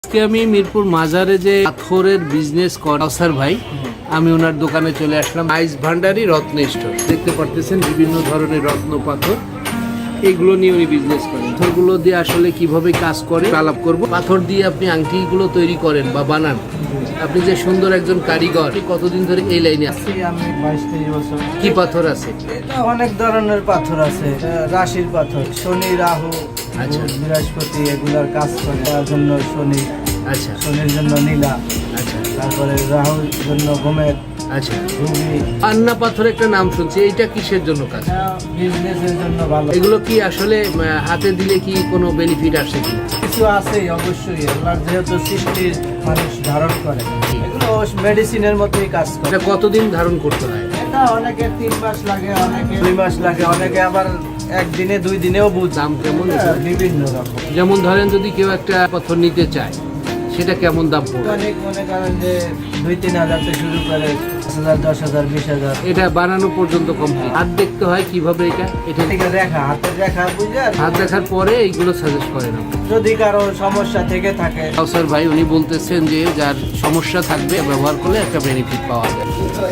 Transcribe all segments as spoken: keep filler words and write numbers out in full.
আজকে আমি মিরপুর মাজারে যে পাথরের বিজনেস করাসার ভাই আমি ওনার দোকানে চলে আসলাম। আইস ভান্ডারি রত্ন স্টোর দেখতে পারতেছেন, বিভিন্ন ধরনের রত্ন পাথর এগুলো নিয়ে উনি বিজনেস করেন। পাথরগুলো দিয়ে আসলে কিভাবে কাজ করে আলাপ করব। পাথর দিয়ে আপনি আংটিগুলো তৈরি করেন বা বানান, আপনি যে সুন্দর একজন কারিগর। আপনি কতদিন ধরে এই লাইনে আছেন? আমি বাইশ তেইশ বছর। কি পাথর আছে? এটা অনেক ধরনের পাথর আছে, এটা রাশির পাথর, শনি রাহু আচ্ছা। বৃহস্পতি এগুলার কাজ করে। তার জন্য শনি, আচ্ছা শনির জন্য নীলা, আচ্ছা তারপরে রাহুর জন্য গোমেদ, আচ্ছা। রুবি। পান্না পাথর একটা নাম শুনছি, এইটা কিসের জন্য কাজ? বিজনেসের জন্য ভালো। এগুলো কি আসলে আহ, হাতে দিলে কি কোনো বেনিফিট আসে কি? কিছু আছেই অবশ্যই, আল্লাহর যেহেতু সৃষ্টির মানুষ ধারণ করে, এগুলো মেডিসিনের মতোই কাজ করে। এটা কতদিন ধারণ করতে হয়? এটা অনেকে তিন মাস লাগে, অনেকে দুই মাস লাগে, অনেকে আবার একদিনে দুই দিনেও বুঝ। দাম কেমন? হ্যাঁ, বিভিন্ন রকম। যেমন ধরেন যদি কেউ একটা পাথর নিতে চায়, সেটা কেমন দাম পড়বে? অনেক মনে করেন যে দুই তিন হাজার থেকে শুরু করে পাঁচ হাজার, দশ হাজার, বিশ হাজার। এটা বানানো পর্যন্ত কমপ্লিট। হাত দেখতে হয় কিভাবে এটা এটা থেকে রেখা, হাতের রেখা বুঝে আর হাত দেখার পরে এইগুলো সাজেস্ট করেন। যদি কারো সমস্যা থেকে থাকে। কাউসার ভাই উনি বলতেছেন যে যার সমস্যা থাকবে ব্যবহার করলে একটা বেনিফিট পাওয়া যায়।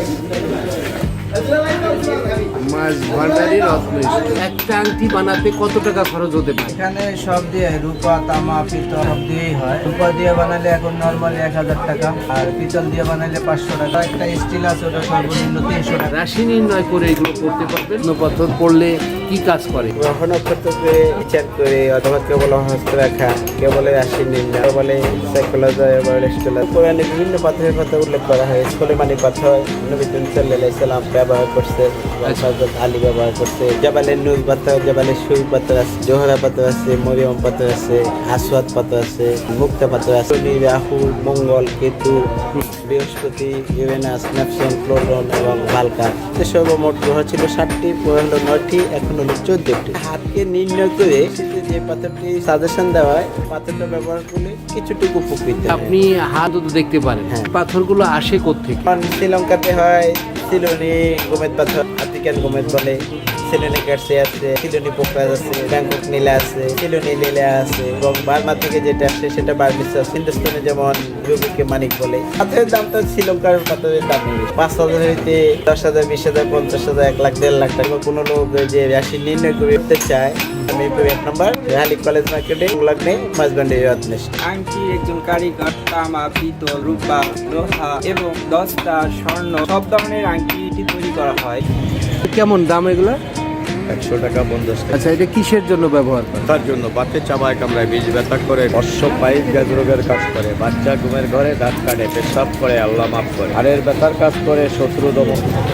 মাছ ভান্ডারি রত্ন স্টোর। একটা আংটি বানাতে কত টাকা খরচ হতে পারে? এখানে সব দিয়ে রূপা, তামা, পিতল সব দিয়েই হয়। রূপা দিয়ে বানালে এখন নর্মালি এক হাজার টাকা, আর পিতল দিয়ে বানালে পাঁচশো টাকা। একটা স্টিল আছে, ওটা সর্বনিম্ন তিনশো টাকা। রাশি নির্ণয় করে এগুলো করতে পারবেন। রত্ন পাথর পড়লে কি কাজ করে? গ্রহ নক্ষত্রকে বিচার করে, অথবা কেউ বলে হস্তরেখা, কেউ বলে রাশি নির্ণয়, কেউ বলে সাইকোলজি বা রেস্টোলজি। কোরআনে বিভিন্ন পাথরের কথা উল্লেখ করা হয়। সুলেমানি পাথর নবী সাল্লাল্লাহু আলাইহি সাল্লাম ব্যবহার করছে, হযরত আলী ব্যবহার করছে। জাবালে নূর পাথর, জাবালে সুই পাথর আছে, জোহরা পাথর আছে, মরিয়ম পাথর আছে, আসওয়াদ পাথর আছে, মুক্তা পাথর আছে। শনি, রাহু, মঙ্গল, কেতু, বৃহস্পতি, ইউরেনাস, নেপচুন, প্লুটোন এবং বালকা। সর্বমোট গ্রহ ছিল ষাটটি, পরে হলো নয়টি, এখন হলো চোদ্দটি। হাতকে নির্ণয় করে যে পাথরটি সাজেশন দেওয়া হয়, পাথরটা ব্যবহার করলে কিছুটুকু উপকৃত হয়। আপনি হাত তো দেখতে পারেন। হ্যাঁ। পাথরগুলো আসে কোত্থেকে? কারণ শ্রীলঙ্কাতে হয় সিলোনি গোমেদ পাথর, আফ্রিকান গোমেদ বলে। সিলোনি কার্সে আছে, সিলোনি পোকরাজ আছে, ব্যাংকক নীলা আছে, সিলোনি লীলা আছে, এবং বার্মা থেকে যেটা আসে সেটা বার্মিস আছে। হিন্দুস্তানে যেমন রুবিকে মানিক বলে। পাথরের দামটা শ্রীলঙ্কার পাথরের দাম নেই, পাঁচ হাজার হইতে দশ হাজার, বিশ হাজার, পঞ্চাশ হাজার, এক লাখ, দেড় লাখ টাকা। কোনো লোক যে রাশি নির্ণয় করতে চায়, আমি এক নম্বর রেহালি কলেজ মার্কেটে লগ্নে মাঝবান্ডি রত্ন স্টোর। আংটি একজন কারিগর তামা, পিতল, রূপা, লোহা এবং দস্তা, স্বর্ণ সব ধরনের আংটি তৈরি করা হয়। কেমন দাম এগুলো? একশো টাকা, পঞ্চাশ টাকা। আচ্ছা, এটা কিসের জন্য ব্যবহার করে? তার জন্য বাতে চাবায় কামড়ায়, বীজ ব্যথা করে, অশ্ব পাইপ গ্যাস রোগের কাজ করে, বাচ্চা ঘুমের ঘরে দাঁত কাটে, পেশাব করে, আল্লাহ মাফ করে, হাড়ের ব্যথার কাজ করে, শত্রু দমন।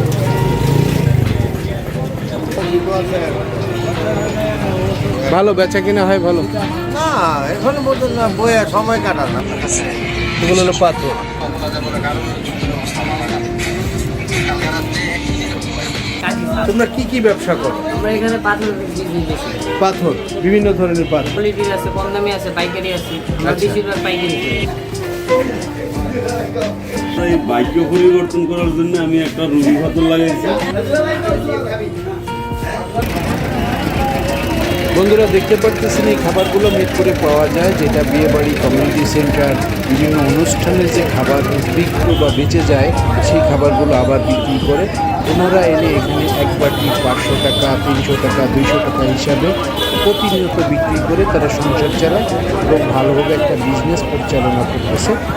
ভালো বেচা কিনা হয় ভালো? না, এখন মতো না, বইয়া সময় কাটানো। এগুলো হলো পাথর। তোমরা কি কি ব্যবসা করো? আমরা এখানে পাথর বিক্রি করছি। পাথর, বিভিন্ন ধরনের পাথর। কোয়ালিটির আছে, কম দামি আছে, পাইকারি আছে। আমরা আচ্ছা। বেশিরভাগ পাইকারি করি। এই ভাগ্য পরিবর্তন করার জন্য আমি একটা রুবি পাথর লাগাইছি। বন্ধুরা দেখতে পারতেছেন এই খাবারগুলো মিরপুরে পাওয়া যায়, যেটা বিয়েবাড়ি, কমিউনিটি সেন্টার, বিভিন্ন অনুষ্ঠানের যে খাবার বিক্রি বা বেঁচে যায় সেই খাবারগুলো আবার বিক্রি করে। ওনারা এনে এখানে এক বাটি পাঁচশো টাকা, তিনশো টাকা, দুইশো টাকা হিসাবে প্রতিনিয়ত বিক্রি করে তারা সংসার চালায় এবং ভালোভাবে একটা বিজনেস পরিচালনা করতেছে।